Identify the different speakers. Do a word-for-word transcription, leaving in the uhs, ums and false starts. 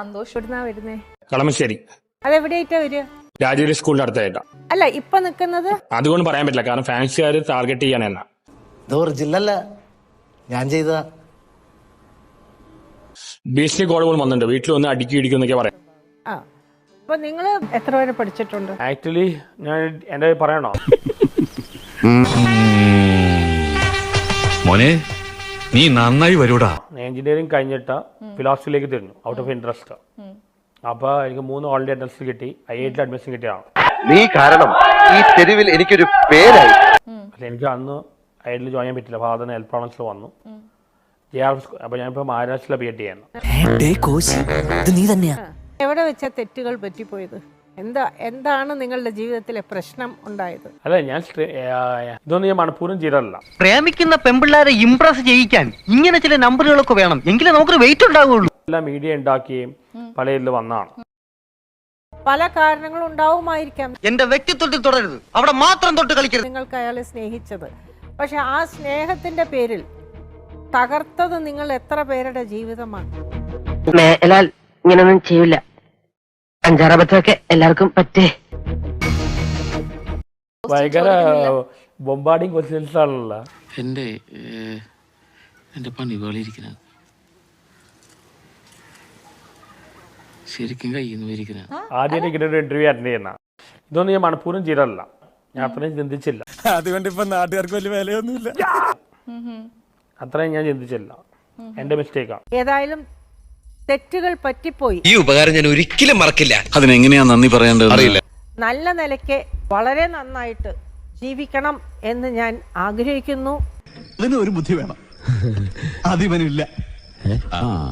Speaker 1: സന്തോഷം. എവിടുന്നാ വരുന്നേ?
Speaker 2: കളമശ്ശേരി.
Speaker 1: അതെവിടെയായിട്ടാ വരിക?
Speaker 2: രാജഗിരി സ്കൂളിന്റെ അടുത്തായിട്ടാ.
Speaker 1: അല്ല ഇപ്പൊ നിക്കുന്നത്?
Speaker 2: അതുകൊണ്ട് പറയാൻ പറ്റില്ല, കാരണം ഫാൻസുകാർ ടാർഗറ്റ് ചെയ്യാൻ എന്നാ.
Speaker 3: ജില്ലല്ല ഞാൻ ചെയ്ത
Speaker 2: ഭീഷണി കോളുകൾ വന്നിട്ടുണ്ട്, വീട്ടിൽ വന്ന് അടുക്കി ഇടിക്കും എന്നൊക്കെ പറയാം.
Speaker 1: ആ അപ്പൊ നിങ്ങള് എത്ര വരെ പഠിച്ചിട്ടുണ്ട്?
Speaker 2: ആക്ച്വലി ഞാൻ എന്റെ പറയണോ?
Speaker 4: മോനെ നീ നന്നായി വരൂടാ.
Speaker 2: എഞ്ചിനീയറിംഗ് കഴിഞ്ഞിട്ട് ഫിലോസഫിയിലേക്ക് തിരിഞ്ഞു, ഔട്ട് ഓഫ് ഇൻട്രസ്റ്റ്. അപ്പൊ എനിക്ക് മൂന്ന് ഓൾറെഡി അഡ്മിഷൻ കിട്ടി, ഐ ഐ ടി അഡ്മിഷൻ കിട്ടിയാണ്.
Speaker 5: നീ കാരണം ഈ തെരുവിൽ എനിക്കൊരു പേരായി.
Speaker 2: പക്ഷെ എനിക്ക് അന്ന് ഐ ഐ ടിയിൽ ജോയിൻ ചെയ്യാൻ പറ്റില്ല, ഫാദറിന് ഹെൽത്ത് പ്രോബ്ലംസിൽ വന്നു. J R F. അപ്പൊ ഞാനിപ്പോ മഹാരാഷ്ട്രയിലെ ബി എഡ് ചെയ്യുന്നു.
Speaker 1: എവിടെ വെച്ചാ തെറ്റുകൾ പറ്റിപ്പോയത്? എന്താ എന്താണ് നിങ്ങളുടെ ജീവിതത്തിലെ പ്രശ്നം ഉണ്ടായത്?
Speaker 2: അല്ല ഞാൻ ഇതൊന്നും ഞാൻ മനഃപൂർവ്വം ചെയ്തല്ല.
Speaker 6: പ്രേമിക്കുന്ന പെമ്പിള്ളാരെ ഇംപ്രസ് ചെയ്യിക്കാൻ ഇങ്ങനെ ചില നമ്പറുകളൊക്കെ വേണം, എങ്കിലേ നമുക്കൊരു വെയിറ്റ് ഉണ്ടാവുള്ളൂ.
Speaker 2: എല്ലാം മീഡിയ ഉണ്ടാക്കുകയും പല ഇതിൽ വന്നാണ്.
Speaker 1: പല കാരണങ്ങളും ഉണ്ടാവുമായിരിക്കാം.
Speaker 6: എന്റെ വ്യക്തിത്വത്തിൽ തുടരുത്, അവിടെ മാത്രം തൊട്ട് കളിക്കരുത്.
Speaker 1: നിങ്ങൾക്ക് അയാളെ സ്നേഹിച്ചത്, പക്ഷെ ആ സ്നേഹത്തിന്റെ പേരിൽ തകർത്തത് നിങ്ങൾ എത്ര പേരുടെ ജീവിതമാണ്?
Speaker 7: മേലാൽ ഇങ്ങനൊന്നും ചെയ്യില്ല. അഞ്ചാറബത്തൊക്കെ എല്ലാവർക്കും പറ്റേ.
Speaker 2: ഭയങ്കര ബൊമ്പാർഡിങ് ക്വസ്റ്റ്യൻസ് ആണല്ലോ.
Speaker 8: എന്റെ എന്റെ പണി വേളിയിരിക്കുന്ന ശരിക്കും കയ്യിൽ ഇരിക്കുന്ന
Speaker 2: ആദ്യം ഇങ്ങനെ ഒരു ഇന്റർവ്യൂ അറ്റൻഡ് ചെയ്യുന്ന ഇതൊന്നും ഞാൻ മനഃപൂർവ്വം ചെയ്തല്ല, ഞാൻ അത്രയും ചിന്തിച്ചില്ല.
Speaker 3: അതുകൊണ്ട് ഇപ്പൊ നാട്ടുകാർക്ക് വലിയ വിലയൊന്നുമില്ല.
Speaker 2: അത്രയും ഞാൻ ചിന്തിച്ചില്ല, എന്റെ മിസ്റ്റേക്കാണ്.
Speaker 1: ഏതായാലും തെറ്റുകൾ പറ്റിപ്പോയി.
Speaker 9: ഈ ഉപകാരം ഞാൻ ഒരിക്കലും മറക്കില്ല.
Speaker 4: അതിനെങ്ങനെയാ നന്ദി പറയേണ്ടത് അറിയില്ല.
Speaker 1: നല്ല നിലയ്ക്ക് വളരെ നന്നായിട്ട് ജീവിക്കണം എന്ന് ഞാൻ ആഗ്രഹിക്കുന്നു.
Speaker 3: അതിന് ഒരു ബുദ്ധി വേണം, അതിവനില്ല.